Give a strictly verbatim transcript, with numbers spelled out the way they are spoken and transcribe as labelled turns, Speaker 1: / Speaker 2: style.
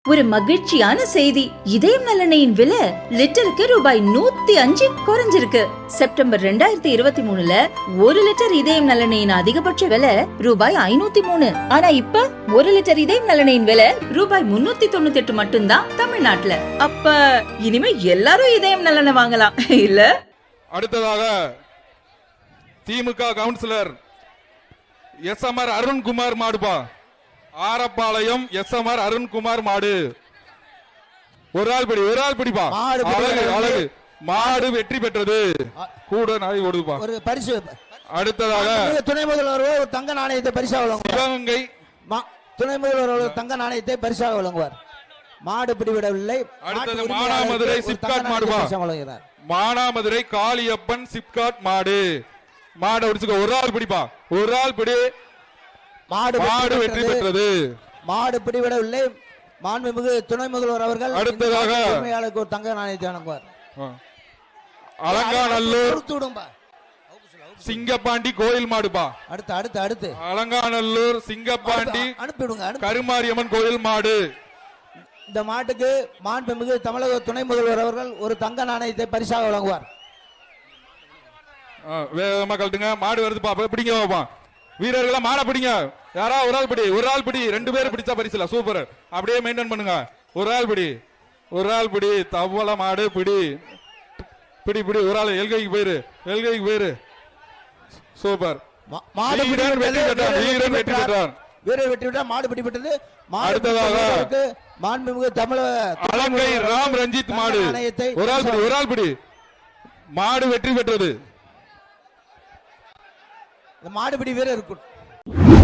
Speaker 1: ஒரு மகிழ்ச்சியான செய்தி. இதயம் நலனையின் விலை லிட்டருக்கு ரூபாய் நூத்தி அஞ்சு குறைஞ்சிருக்கு. செப்டம்பர் ரெண்டாயிரத்தி இருபத்தி மூணுல ஒரு லிட்டர் இதயம் நலனையின் அதிகபட்ச விலை ரூபாய் ஐநூத்தி மூணு. ஆனா இப்ப ஒரு லிட்டர் இதயம் நலனையின் விலை ரூபாய் முன்னூத்தி தொண்ணூத்தி எட்டு மட்டும்தான் தமிழ்நாட்டுல. அப்ப இனிமே எல்லாரும் இதயம் நலனை வாங்கலாம் இல்ல?
Speaker 2: அடுத்ததாக DMK councillor S M R Arunkumar மாடுபா. Arappalayam S M R Arunkumar மாடு. ஒரு ஆள் படி ஒரு ஆள் பிடிப்பா. அழகு அழகு மாடு வெற்றி பெற்றது. கூட நாய் ஓடுதுப்பா. ஒரு பரிசு. அடுத்ததாக
Speaker 3: துணை முதல்வர் ஒரு தங்க நாணயத்தை பரிசாக வழங்குவார்.
Speaker 2: சிவகங்கை
Speaker 3: துணை முதல்வர் ஒரு தங்க நாணயத்தை பரிசாக வழங்குவார். மாடு பிடிவிடவில்லை.
Speaker 2: அடுத்தது மானாமதுரை சிப்காட் மாடுபா. மானாமதுரை காளியப்பன் சிப்காட் மாடு. மாடு அடிச்சுக்க. ஒரு ஆள் பிடிப்பா. ஒரு ஆள் பிடி.
Speaker 3: மாடு
Speaker 2: மாடு வெற்றி பெற்றது.
Speaker 3: மாடு பிடிவிடவில்லை. மாண்புமிகு துணை முதல்வர் அவர்கள்
Speaker 2: அடுத்ததாக
Speaker 3: உரிமையாளருக்கு ஒரு தங்க நாணயத்தை வழங்குவார்.
Speaker 2: அலங்காநல்லூர் சிங்கப்பாண்டி கோயில் மாடுபா.
Speaker 3: அடுத்து அடுத்து அடுத்து
Speaker 2: அலங்காநல்லூர் சிங்கப்பாண்டி
Speaker 3: அனுப்பிடுங்க.
Speaker 2: கருமாரியம்மன் கோயில் மாடு.
Speaker 3: இந்த மாட்டுக்கு மாண்புமிகு தமிழக துணை முதல்வர் அவர்கள் ஒரு தங்க நாணயத்தை பரிசாக வழங்குவார்.
Speaker 2: வேகமா கழட்டுங்க. மாடு வருது பாப்பா. பிடிங்க பாப்பா. வீரர்களா மாட பிடிங்க. யாரா ஒரு ஆள் பிடி. ஒரு ஆள் பிடி. ரெண்டு பேரும் பிடிச்சா பரிசுல. சூப்பர். அப்படியே மெயின்டைன் பண்ணுங்க. ஒரு ஆள் பிடி. ஒரு ஆள் பிடி. தவள மாடு பிடி. பிடி பிடி. ஒரு ஆள் எல்கைக்கு போயிரு. எல்கைக்கு போயிரு. சூப்பர்.
Speaker 3: மாடு
Speaker 2: வீரர் வெற்றி பெற்றார். வீரர் வெற்றி பெற்றார்.
Speaker 3: வீரர் வெற்றி பெற்றார். மாடு பிடிபட்டது.
Speaker 2: அடுத்ததாக
Speaker 3: மாண்புமிகு தமிழக
Speaker 2: அலங்கை ராம் ரஞ்சித் மாடு. ஒரு ஆள் பிடி. ஒரு ஆள் பிடி. மாடு வெற்றி பெற்றது.
Speaker 3: மாடுபிடி வீரர் இருக்கும்.